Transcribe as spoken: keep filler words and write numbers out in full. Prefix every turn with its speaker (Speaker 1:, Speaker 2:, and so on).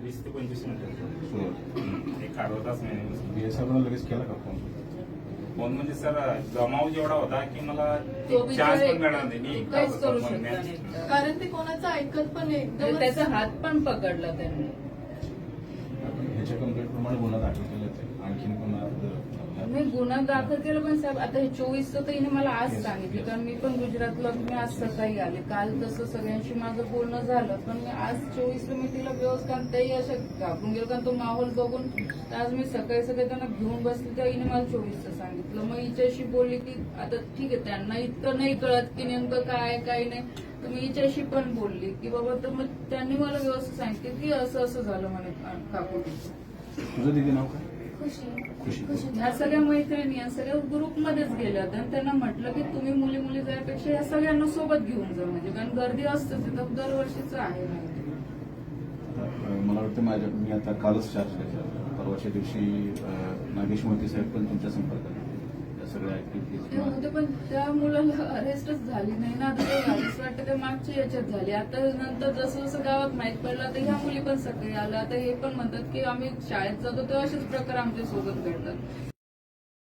Speaker 1: वीस ते पंचवीस मिनिटं
Speaker 2: सुरुवात
Speaker 1: एक अर्धा तास नाही.
Speaker 2: बीएसआयला लगेच केला का फोन?
Speaker 1: फोन म्हणजे सर जमाव जेवढा होता की मला
Speaker 3: तो
Speaker 1: चान्स
Speaker 3: बिचारा
Speaker 1: पण मिळणार नाही. मी एकटा
Speaker 3: काहीच
Speaker 1: होतो
Speaker 3: करू
Speaker 1: पण
Speaker 3: शकला
Speaker 1: match-
Speaker 3: नाही.
Speaker 4: कारण ते कोणाचं ऐकत पण नाही,
Speaker 3: म्हणजे
Speaker 4: एकदम
Speaker 3: त्याचा हात पण पकडला त्यांनी.
Speaker 2: आपण ह्याच्या कंप्लेंट प्रमाणे गुन्हा दाखल केला आहे. आणखीन गुन्हा
Speaker 3: मी गुन्हा दाखल केला पण साहेब आता हे चोवीसचं तर हिने मला आज सांगितलं, कारण मी पण गुजरातला मी आज सकाळी आले. काल तसं सगळ्यांशी माझं बोलणं झालं, पण मी आज चोवीसला मी तिला व्यवस्थित, कारण तेही असं घाबरून गेलो, कारण तो माहोल बघून आज मी सकाळी सकाळी त्यांना घेऊन बसले तेव्हा हिने मला चोवीसचं सांगितलं. मग हिच्याशी बोलली की आता ठीक आहे, त्यांना इतकं नाही कळत की नेमकं काय काय नाही, तर मी हिच्याशी पण बोलली की बाबा, तर मग त्यांनी मला व्यवस्थित सांगितलं की असं असं झालं म्हणे काकू.
Speaker 2: तुझं दिदी नाव काय? खुशी.
Speaker 3: ह्या सगळ्या मैत्रिणी या सगळ्या ग्रुपमध्येच गेल्या होत्या आणि त्यांना म्हटलं की तुम्ही मुली मुली जाण्यापेक्षा या सगळ्यांना सोबत घेऊन जा, म्हणजे कारण गर्दी असतेच तिथं, दरवर्षीच आहे माहिती.
Speaker 2: आता मला वाटतं माझ्या मी आता कालच चार्ज घेतला. परवाच्या दिवशी अं, नागेश मोती साहेब पण तुमच्या संपर्कात होते. या सगळ्या
Speaker 3: ते
Speaker 2: ऍक्टिव्हिटीज
Speaker 3: होते पण त्या मुलाला अरेस्टच झाली नाही ना. आता ते असं वाटतं ते मागच्या याच्यात झाली. आता नंतर जसं जसं गावात माहित पडलं तर ह्या मुली पण सगळे आल्या. आता हे पण म्हणतात की आम्ही शाळेत जातो तेव्हा असेच प्रकार आमच्या सोबत घडतात.